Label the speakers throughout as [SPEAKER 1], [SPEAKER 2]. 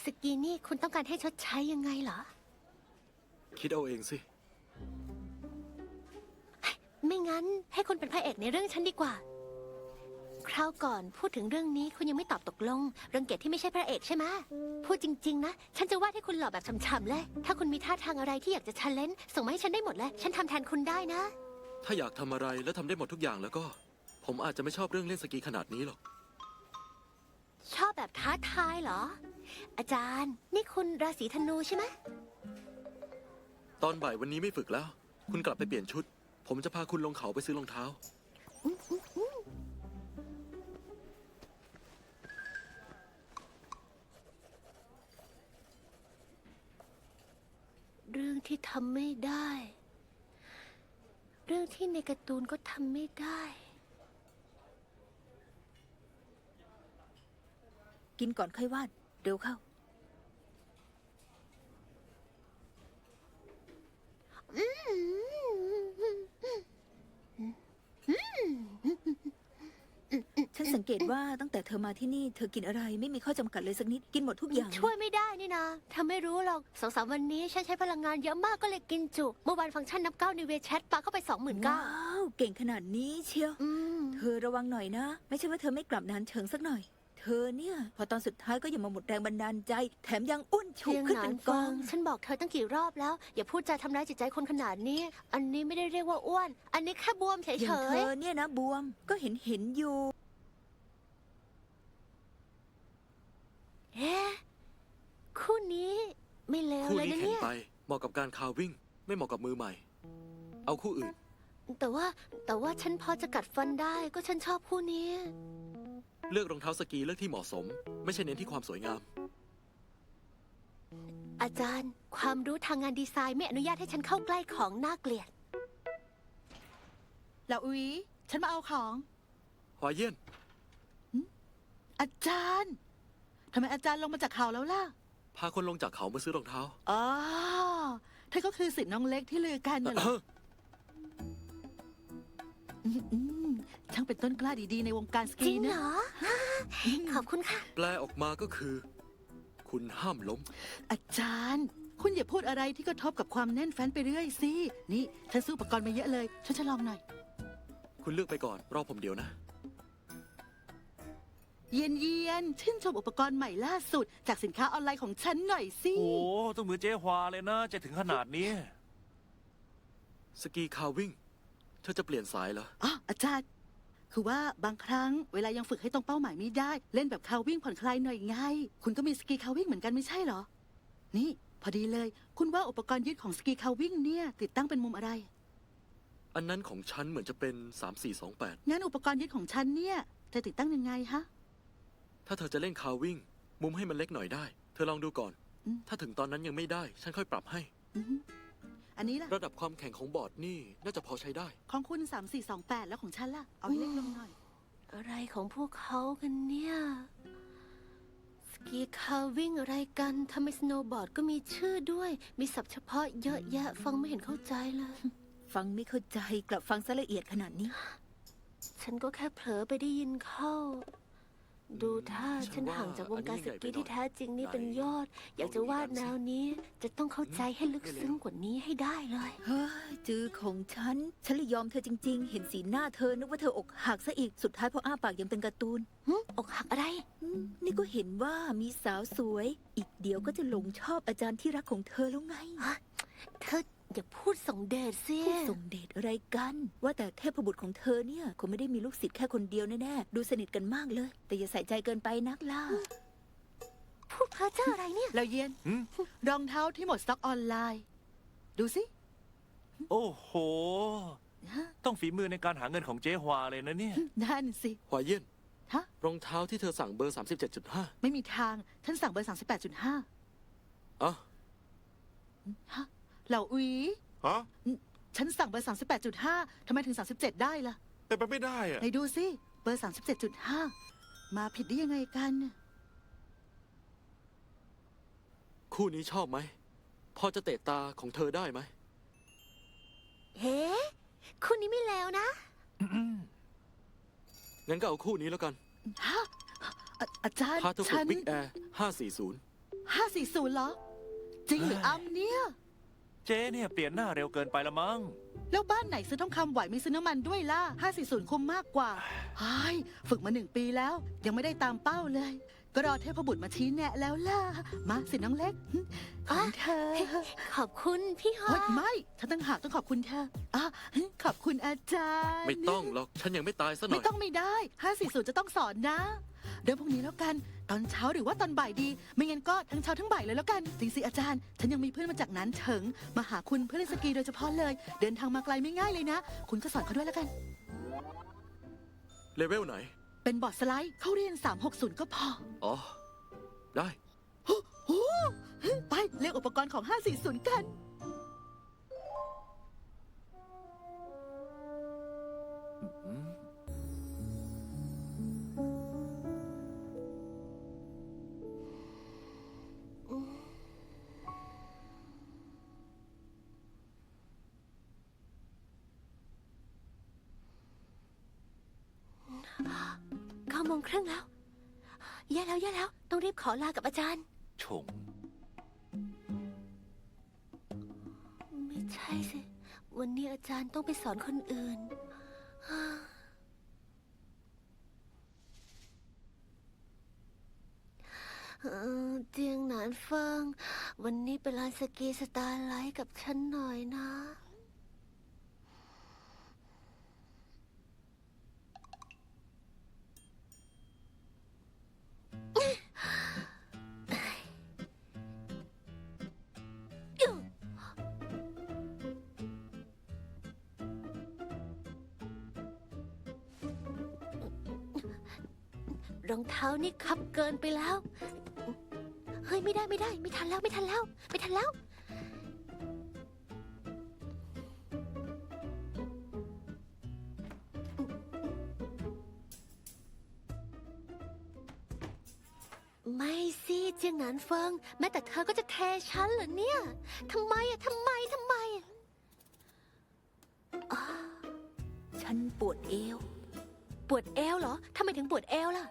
[SPEAKER 1] สกีนี่คุณต้องการให้ชดใช้ยังไงเหรอ
[SPEAKER 2] คิดเอาเองสิ
[SPEAKER 1] ไม่งั้นให้คุณเป็นพระเอกในเรื่องฉันดีกว่า คราวก่อนพูดถึงเรื่องนี้คุณยังไม่ตอบตกลง เรื่องเกตที่ไม่ใช่พระเอกใช่ไหมพูดจริงๆนะ ฉันจะวาดให้คุณหล่อแบบฉ่ำๆเลย ถ้าคุณมีท่าทางอะไรที่อยากจะชันเลนส่งมาให้ฉันได้หมดเลย ฉันทำแทนคุณได้นะ
[SPEAKER 2] ถ้าอยากทำอะไรแล้วทำได้หมดทุกอย่างแล้วก็ ผมอาจจะไม่ชอบเรื่องเล่นสกีขนาดนี้หรอก
[SPEAKER 1] ชอบแบบท้าทายเหรอ อาจารย์ นี่คุณราศีธนูใช่ไหม
[SPEAKER 2] ตอนบ่ายวันนี้ไม่ฝึกแล้ว คุณกลับไปเปลี่ยนชุด ผมจะพาคุณลงเขาไปซื้อรองเท้า
[SPEAKER 1] เรื่องที่ทำไม่ได้ เรื่องที่ในการ์ตูนก็ทำไม่ได้
[SPEAKER 3] กินก่อนค่อยวาดเร็วเข้า ฉันสังเกตว่าตั้งแต่เธอมาที่นี่เธอกินอะไรไม่มีข้อจำกัดเลยสักนิดกินหมดทุกอย่าง
[SPEAKER 1] ช่วยไม่ได้นี่นะเธอไม่รู้หรอก2-3 วันนี้ฉันใช้พลังงานเยอะมากก็เลยกินจุ เมื่อวานฟังก์ชันนับ9ในเวแชทปาเข้าไป 29,000
[SPEAKER 3] ว้าวเก่งขนาดนี้เชียวเธอระวังหน่อยนะ ไม่ใช่ว่าเธอไม่กลับนานเชิงสักหน่อย เธอเนี่ยพอตอนสุดท้ายก็ยังมาหมดแรงบันดาลใจ แถมยังอ้วนฉุก
[SPEAKER 1] เพียง
[SPEAKER 3] ขึ้น
[SPEAKER 1] หนา
[SPEAKER 3] เป็น นก
[SPEAKER 1] ฟั
[SPEAKER 3] อง ง
[SPEAKER 1] ฉันบอกเธอตั้งกี่รอบแล้ว อย่าพูดจาทำร้ายจิตใจคนขนาดนี้ อันนี้ไม่ได้เรียกว่าอ้วน อันนี้แค่บวมเฉ
[SPEAKER 3] อย่างเธ
[SPEAKER 1] ย
[SPEAKER 3] อเนี่ยนะบวมก็เห็นอยู่
[SPEAKER 1] ๆเอ๊ะคู่นี้ไม่เลว
[SPEAKER 2] คู่
[SPEAKER 1] เลย
[SPEAKER 2] นี้
[SPEAKER 1] นะ
[SPEAKER 2] แข็ง
[SPEAKER 1] เนี่ย
[SPEAKER 2] ไป เหมาะกับการคาวิ่ง ไม่เหมาะกับมือใหม่ เอาคู่อื่น
[SPEAKER 1] แต่ว่าฉันพอจะกัดฟันได้ก็ฉันชอบคู่นี้
[SPEAKER 2] เลือกรองเท้าสกีเลือกที่เหมาะสม ไม่ใช่เน้นที่ความสวยงาม
[SPEAKER 1] อาจารย์ ความรู้ทางงานดีไซน์ไม่อนุญาตให้ฉันเข้าใกล้ของน่าเกลียด
[SPEAKER 4] แล้วอุ๊ยฉันมาเอาของ
[SPEAKER 2] หวายเยี่ยน
[SPEAKER 4] อาจารย์ทำไมอาจารย์ลงมาจากเขาแล้วล่ะ
[SPEAKER 2] พาคนลงจากเขามาซื้อรองเท้า
[SPEAKER 4] อ๋อเธอก็คือสิทธิ์น้องเล็กที่ลือกันน่ะเหรออืมช่างเป็นต้นกล้าดีๆในวงการส
[SPEAKER 1] จ
[SPEAKER 4] กี
[SPEAKER 1] ริงเหร
[SPEAKER 4] นะ
[SPEAKER 1] อ ขอบคุณค่ะ
[SPEAKER 2] แปลออกมาก็คือ คุณห้ามล้ม
[SPEAKER 4] อาจารย์ คุณอย่าพูดอะไรที่กระทบกับความแน่นแฟ้นไปเรื่อยสิ นี่ฉันซื้ออุปกรณ์มาเยอะเลยช่วยฉันลองหน่อย
[SPEAKER 2] คุณเลือกไปก่อน รอผมเดี๋ยวนะ
[SPEAKER 4] เย็นชื่นชมอุปกรณ์ใหม่ล่าสุด จากสินค้าออนไลน์ของฉันหน่อยสิ
[SPEAKER 5] โอ้ต้องมือเจ๊ฮวาเลยนะจะถึงขนาดนี้
[SPEAKER 2] สกีคาวิ่ง เธอจะเปลี่ยนสายเหรอ
[SPEAKER 4] อ๋ออาจารย์ คือว่าบางครั้งเวลายังฝึกให้ตรงเป้าหมายไม่ได้ เล่นแบบคาวิ่งผ่อนคลายหน่อยไง คุณก็มีสกีคาวิ่งเหมือนกันไม่ใช่เหรอ นี่ พอดีเลย คุณว่าอุปกรณ์ยืดของสกีคาวิ่งเนี่ย ติดตั้งเป็นมุมอะไร
[SPEAKER 2] อันนั้นของฉันเหมือนจะเป็น 3428
[SPEAKER 4] งั้นอุปกรณ์ยืดของฉันเนี่ย จะติดตั้งยังไงฮะ
[SPEAKER 2] ถ้าเธอจะเล่นคาวิ่ง มุมให้มันเล็กหน่อยได้ เธอลองดูก่อน
[SPEAKER 4] อืม
[SPEAKER 2] ถ้าถึงตอนนั้นยังไม่ได้ ฉันค่อยปรับให้
[SPEAKER 4] อือฮึอันนี้ล่ะ
[SPEAKER 2] ระดับความแข็งของบอร์ดนี่น่าจะพอใช้ได้
[SPEAKER 4] ของคุณ3428แล้วของฉันล่ะ เอาให้เล็กลงหน่อย
[SPEAKER 1] อะไรของพวกเขากันเนี่ย สกีคาวิ่งอะไรกันทำไมสโนว์บอร์ดก็มีชื่อด้วย มีศัพท์เฉพาะเยอะแยะ ฟังไม่เห็นเข้าใจเลย
[SPEAKER 3] ฟังไม่เข้าใจกลับฟังซะละเอียดขนาดนี้
[SPEAKER 1] ฉันก็แค่เผลอไปได้ยินเข้า ดูท่าฉันห่างจากวงการสกีที่แท้จริงนี่เป็นยอด อยากจะวาดแนวนี้ จะต้องเข้าใจให้ลึกซึ้งกว่านี้ให้ได้เลย
[SPEAKER 3] เฮ้ยจือของฉันเลยยอมเธอจริง ๆ เห็นสีหน้าเธอนึกว่าเธออกหักซะอีก สุดท้ายพออ้าปากยังเป็นการ์ตูน
[SPEAKER 1] อกหักอะไร
[SPEAKER 3] นี่ก็เห็นว่ามีสาวสวย อีกเดี๋ยวก็จะหลงชอบอาจารย์ที่รักของเธอแล้วไง
[SPEAKER 1] เธออย่าพูดส่งเดชสิ
[SPEAKER 3] ผู้ส่งเดชอะไรกัน ว่าแต่เทพบุตรของเธอเนี่ยคงไม่ได้มีลูกศิษย์แค่คนเดียวแน่ๆ ดูสนิทกันมากเลย แต่อย่าใส่ใจเกินไปนักล่ะ
[SPEAKER 1] พูดเพ้อเจ้ออะไรเนี่ย
[SPEAKER 4] แล้วเย็น
[SPEAKER 5] หืม
[SPEAKER 4] รองเท้าที่หมดสต็อกออนไลน์ ดูสิ
[SPEAKER 5] โอ้โห ต้องฝีมือในการหาเงินของเจ๊ฮวาเลยนะเนี่ย
[SPEAKER 4] นั่นสิ
[SPEAKER 2] หวายเยี่ยน
[SPEAKER 4] ฮะ
[SPEAKER 2] รองเท้าที่เธอสั่งเบอร์ 37.5
[SPEAKER 4] ไม่มีทาง ฉันสั่งเบอร์38.5
[SPEAKER 2] อ๋อ
[SPEAKER 4] ฮะเหล่าอุ๋ย
[SPEAKER 6] ฮะ
[SPEAKER 4] ฉันสั่งเบอร์38.5ทำไมถึง37ได้ล่ะ
[SPEAKER 6] เป็นไปไม่ได้อะ
[SPEAKER 4] ไหนดูสิ เบอร์37.5มาผิดได้ยังไงกัน
[SPEAKER 2] คู่นี้ชอบไหม พอจะเตะตาของเธอได้ไหม
[SPEAKER 1] เฮ้คุณนี้ไม่แล้วนะ
[SPEAKER 2] งั้นก็เอาคู่นี้แล้วกัน
[SPEAKER 4] ฮะอาจารย์
[SPEAKER 2] พาเธอฝึ
[SPEAKER 4] ฉั
[SPEAKER 2] ก
[SPEAKER 4] น
[SPEAKER 2] บิ๊กแอร์540
[SPEAKER 4] 540เหรอ จริงหรืออำเนี่ย
[SPEAKER 5] เจ๊เนี่ยเปลี่ยนหน้าเร็วเกินไปละมั้ง
[SPEAKER 4] แล้วบ้านไหนซื้อทองคำไหวไม่ซื้อน้ำมันด้วยล่ะ 540คุ้มมากกว่าไอ้ยฝึกมา1 ปีแล้ว ยังไม่ได้ตามเป้าเลย ก็รอเทพบุตรมาชี้แนะแล้วล่ะ มาสิน้องเล็กของเธอ
[SPEAKER 1] ขอบคุณพี่ฮอ
[SPEAKER 4] เฮ้ยไม่ฉันตั้งหากต้องขอบคุณเธอขอบคุณอาจารย์
[SPEAKER 2] ไม่ต้องหรอก ฉันยังไม่ตายซะหน่
[SPEAKER 4] ไม่
[SPEAKER 2] อย
[SPEAKER 4] ต้องไม่ได้540จะต้องสอนนะ เดี๋ยวพรุ่งนี้แล้วกัน ตอนเช้าหรือว่าตอนบ่ายดี ไม่งั้นก็ทั้งเช้าทั้งบ่ายเลยแล้วกันจริงสิอาจารย์ ฉันยังมีเพื่อนมาจากนั้นเฉิงมาหาคุณเพื่อนเล่นสกีโดยเฉพาะเลย เดินทางมาไกลไม่ง่ายเลยนะ คุณก็สอนเขาด้วยแล้วกัน
[SPEAKER 2] เลเวลไหน
[SPEAKER 4] เป็นบอร์ดสไลด์เขาเรียน360ก็พอ
[SPEAKER 2] อ๋อ ได้
[SPEAKER 4] โอ้โหไปเรียกอุปกรณ์ของ540กัน
[SPEAKER 1] 9 โมงครึ่งแล้ว แย่แล้ว ต้องรีบขอลากับอาจารย์
[SPEAKER 5] ชง
[SPEAKER 1] ไม่ใช่สิ วันนี้อาจารย์ต้องไปสอนคนอื่น เจียงหนานเฟิง วันนี้ไปลานสกีสตาร์ไลท์กับฉันหน่อยนะ รองเท้านี่คับเกินไปแล้ว เฮ้ยไม่ได้ ไม่ทันแล้ว ไม่สิเจียงหนานเฟิง แม้แต่เธอก็จะเทฉันเหรอเนี่ย ทำไมอะ
[SPEAKER 3] ฉันปวดเอว
[SPEAKER 1] ปวดเอวเหรอ ทำไมถึงปวดเอวล่ะ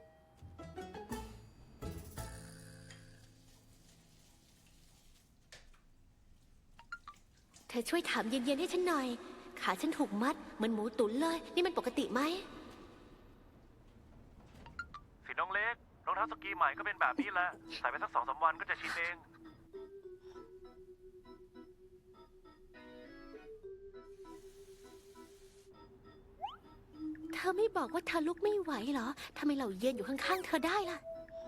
[SPEAKER 1] เธอช่วยถามเย็นๆให้ฉันหน่อย ขาฉันถูกมัดเหมือนหมูตุ๋นเลย นี่มันปกติไหม
[SPEAKER 5] สิน้องเล็ก รองเท้าสกีใหม่ก็เป็นแบบนี้แหละ ใส่ไปสัก2-3 วันก็จะชินเอง
[SPEAKER 1] เธอไม่บอกว่าเธอลุกไม่ไหวเหรอ ทำไมเราเย็นอยู่ข้างๆเธอได้ล่ะ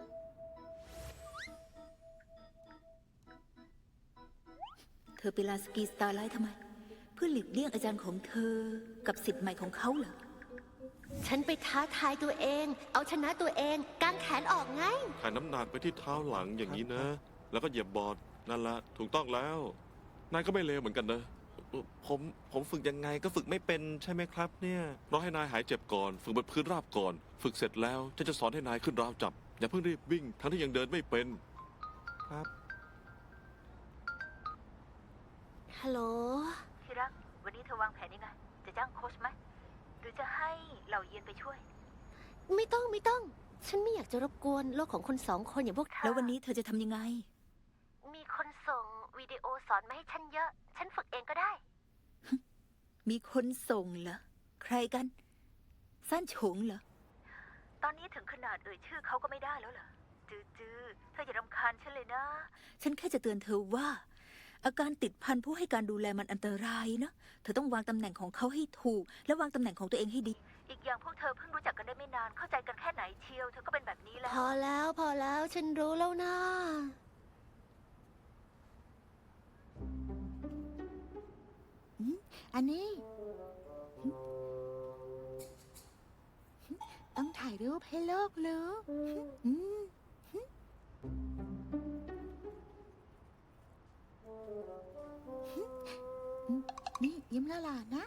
[SPEAKER 3] เธอไปลานสกีสตาร์ไลท์ทำไม เพื่อหลีกเลี่ยงอาจารย์ของเธอกับศิษย์ใหม่ของเขาเหรอ
[SPEAKER 1] ฉันไปท้าทายตัวเอง เอาชนะตัวเองกางแขนออกไง
[SPEAKER 6] ถ่ายน้ำหนักไปที่เท้าหลังอย่างนี้นะ แล้วก็เหยียบบอร์ดนั่นละถูกต้องแล้ว นายก็ไม่เลวเหมือนกันนะ ผมฝึกยังไงก็ฝึกไม่เป็นใช่ไหมครับเนี่ยรอให้นายหายเจ็บก่อน ฝึกบนพื้นราบก่อน ฝึกเสร็จแล้วฉันจะสอนให้นายขึ้นราวจับ อย่าเพิ่งรีบวิ่งทั้งที่ยังเดินไม่เป็น ครับ
[SPEAKER 1] ฮัลโหล
[SPEAKER 3] ที่รัก วันนี้เธอวางแผนยังไง จะจ้างโค้ชไหม หรือจะให้เหล่าเยียนไปช่วย
[SPEAKER 1] ไม่ต้อง ฉันไม่อยากจะรบกวนโลกของคน2 คนอย่างพวกเธอ
[SPEAKER 3] แล้ววันนี้เธอจะทำยังไง
[SPEAKER 1] มีคนส่งวิดีโอสอนมาให้ฉันเยอะ ฉันฝึกเองก็ได้
[SPEAKER 3] มีคนส่งเหรอ ใครกัน สั้นฉงเหรอ ตอนนี้ถึงขนาดเอ่ยชื่อเขาก็ไม่ได้แล้วเหรอ จือเธออย่ารำคาญฉันเลยนะ ฉันแค่จะเตือนเธอว่า อาการติดพันผู้ให้การดูแลมันอันตรายนะ เธอต้องวางตำแหน่งของเขาให้ถูก และวางตำแหน่งของตัวเองให้ดี อีกอย่างพวกเธอเพิ่งรู้จักกันได้ไม่นาน เข้าใจกันแค่ไหนเชียว เธอก็เป็นแบบนี้แล้
[SPEAKER 1] พอแล้ว ฉันรู้แล้วนะ
[SPEAKER 4] อันนี้ ต้องถ่ายรูปให้โลกรู้อืมนี่ยิ้มละหลานนะ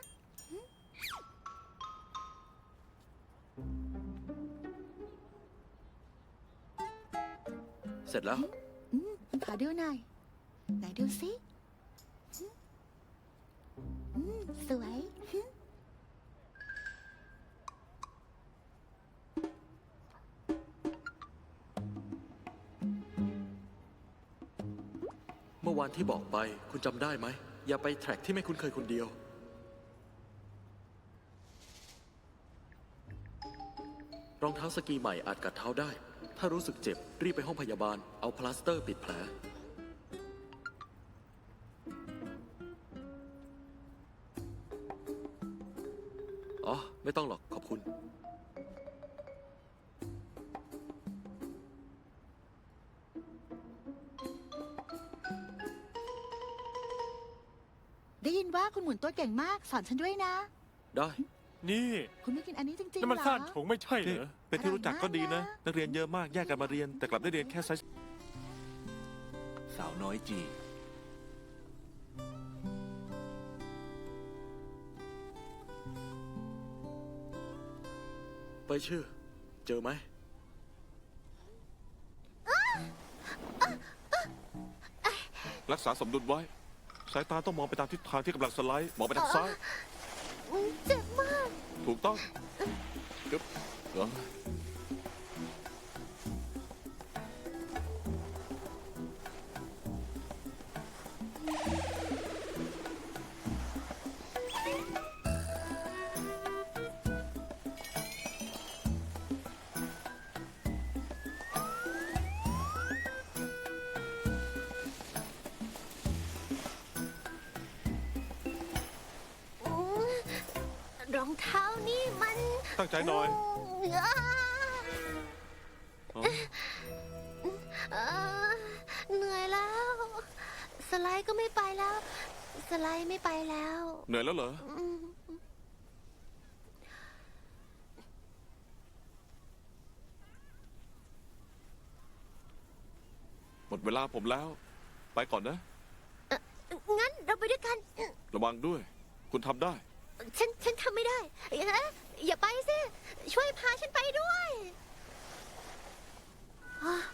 [SPEAKER 2] เสร็จแล้ว
[SPEAKER 4] ขอดูหน่อย ไหนดูสิสวย
[SPEAKER 2] อวานที่บอกไป คุณจำได้ไหม อย่าไปแทร็กที่ไม่คุ้นเคยคนเดียว รองเท้าสกีใหม่อาจกัดเท้าได้ ถ้ารู้สึกเจ็บ รีบไปห้องพยาบาล เอาพลาสเตอร์ปิดแผล อ๋อ ไม่ต้องหรอก ขอบคุณ
[SPEAKER 4] ได้ยินว่าคุณหมุนตัวเก่งมาก สอนฉันด้วยนะ
[SPEAKER 2] ได้
[SPEAKER 5] นี่
[SPEAKER 4] คุณไม่กินอันนี้จริงๆ
[SPEAKER 5] นี่มัน
[SPEAKER 4] เหร
[SPEAKER 5] ซ่า
[SPEAKER 4] อน
[SPEAKER 5] โฉงไม่ใช่เหร
[SPEAKER 6] นี่
[SPEAKER 5] อ
[SPEAKER 6] เป็นที่รู้จักก็ดีนะ นักเรียนเยอะมากแยกกันมาเรียน แต่กลับได้เรียนแค่ไซส์
[SPEAKER 5] สาวน้อยจี
[SPEAKER 2] ไปชื่อ เจอไหม
[SPEAKER 6] รักษาสมดุลไว้ สายตาต้องมองไปตามทิศทางที่กำลังสไลด์ มองไปทางซ้าย
[SPEAKER 1] เจ็บมาก
[SPEAKER 6] ถูกต้องกึ๊บเหรอ
[SPEAKER 1] รองเท้านี่มัน
[SPEAKER 6] ตั้งใจหน่อย
[SPEAKER 1] อ้า
[SPEAKER 6] อ๋อ
[SPEAKER 1] เหนื่อยแล้ว สไลด์ก็ไม่ไปแล้ว สไลด์ไม่ไปแล้ว
[SPEAKER 6] เหนื่อยแล้วเหรอ
[SPEAKER 1] อืม
[SPEAKER 6] หมดเวลาผมแล้ว ไปก่อนนะ
[SPEAKER 1] งั้นเราไปด้วยกัน
[SPEAKER 6] ระวังด้วย คุณทำได้
[SPEAKER 1] ฉันทำไม่ได้อย่าไปสิ ช่วยพาฉันไปด้วยอ่ะ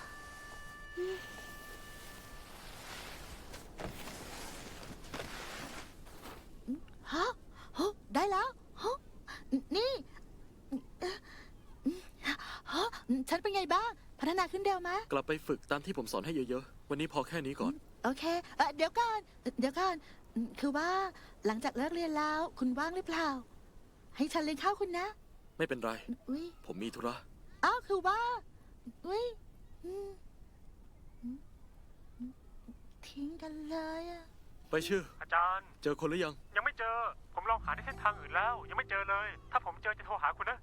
[SPEAKER 4] ฮะฮะได้แล้วฮะนี่ฮะฉันเป็นไงบ้าง พัฒนาขึ้นเร็วไหม
[SPEAKER 2] กลับไปฝึกตามที่ผมสอนให้เยอะๆ วันนี้พอแค่นี้ก่อน
[SPEAKER 4] โอเคเดี๋ยวก่อน คือว่าหลังจากเลิกเรียนแล้ว คุณว่างหรือเปล่า ให้ฉันเลี้ยงข้าวคุณนะ
[SPEAKER 2] ไม่เป็นไร
[SPEAKER 4] อุ้ย
[SPEAKER 2] ผมมีธุระ
[SPEAKER 4] อ้าวคือว่า อุ้ยทิ้งกันเลยอะ
[SPEAKER 2] ไปชื่อ
[SPEAKER 5] อาจารย์
[SPEAKER 2] เจอคนหรือยัง
[SPEAKER 5] ยังไม่เจอ ผมลองหาในเส้นทางอื่นแล้ว ยังไม่เจอเลย ถ้าผมเจอจะโทรหาคุณนะ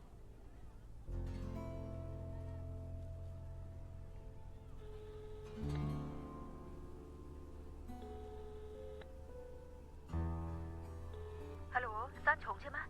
[SPEAKER 3] ฮัลโหลซ่านโฉงใช่ไหม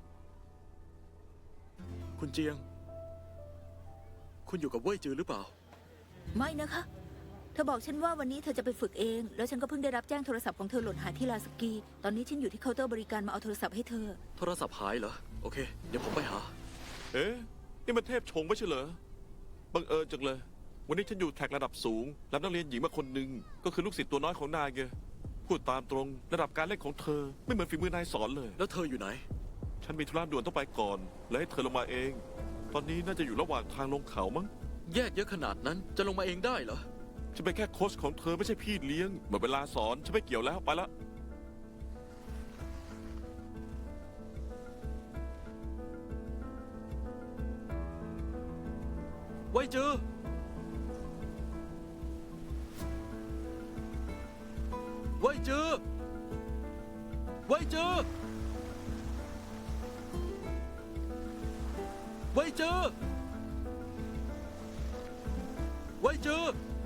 [SPEAKER 2] คุณเจียง คุณอยู่กับเว่ยจือหรือเปล่า
[SPEAKER 3] ไม่นะคะ เธอบอกฉันว่าวันนี้เธอจะไปฝึกเอง แล้วฉันก็เพิ่งได้รับแจ้งโทรศัพท์ของเธอหล่นหายที่ลาสกี ตอนนี้ฉันอยู่ที่เคาน์เตอร์บริการมาเอาโทรศัพท์ให้เธอ
[SPEAKER 2] โทรศัพท์หายเหรอ โอเค เดี๋ยวผมไปหา
[SPEAKER 6] เอ๊ะ นี่มันเทพชงไม่ใช่เหรอ บังเอิญจังเลย วันนี้ฉันอยู่แท็กระดับสูง รับนักเรียนหญิงมาคนหนึ่ง ก็คือลูกศิษย์ตัวน้อยของนายไง พูดตามตรง ระดับการเล่นของเธอ ไม่เหมือนฝีมือนายสอนเลย
[SPEAKER 2] แล้วเธออยู่ไหน
[SPEAKER 6] ฉันมีธุระด่วนต้องไปก่อน เลยให้เธอลงมาเอง ตอนนี้น่าจะอยู่ระหว่างทางลงเขามั้ง
[SPEAKER 2] แยกเยอะขนาดนั้น จะลงมาเองได้เหรอ
[SPEAKER 6] ฉันเป็นแค่โค้ชของเธอไม่ใช่พี่เลี้ยงหมดเวลาสอนฉันไม่เกี่ยวแล้วไปละ
[SPEAKER 2] เว่ยจือ เว่ยจือ เว่ยจือ เว่ยจือ เว่ยจือ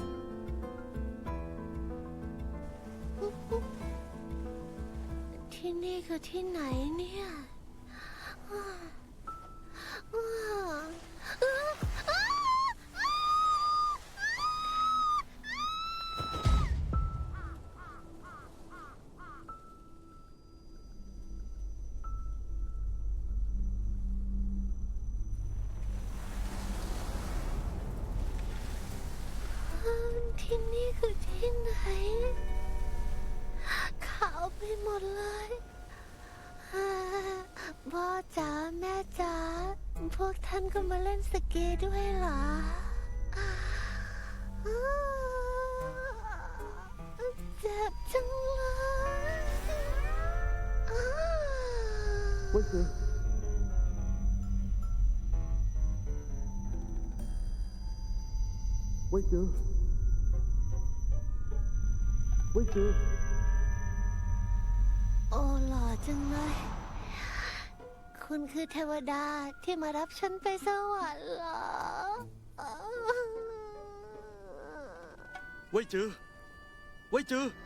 [SPEAKER 1] ที่นี่คือที่ไหนเนี่ยอ้าวอ้าวอ้าวอ้าวที่นี่คือที่ไหน ขาวไปหมดเลยพ่อจ๋าแม่จ๋าพวกท่านก็มาเล่นสกีด้วยเหรอ
[SPEAKER 2] เว้ยจือเว้ยจือเว้ยจือ
[SPEAKER 1] โอ้หล่อจังเลย คุณคือเทวดาที่มารับฉันไปสวรรค์เหรอ
[SPEAKER 2] เว้ยจือเว้ยจือ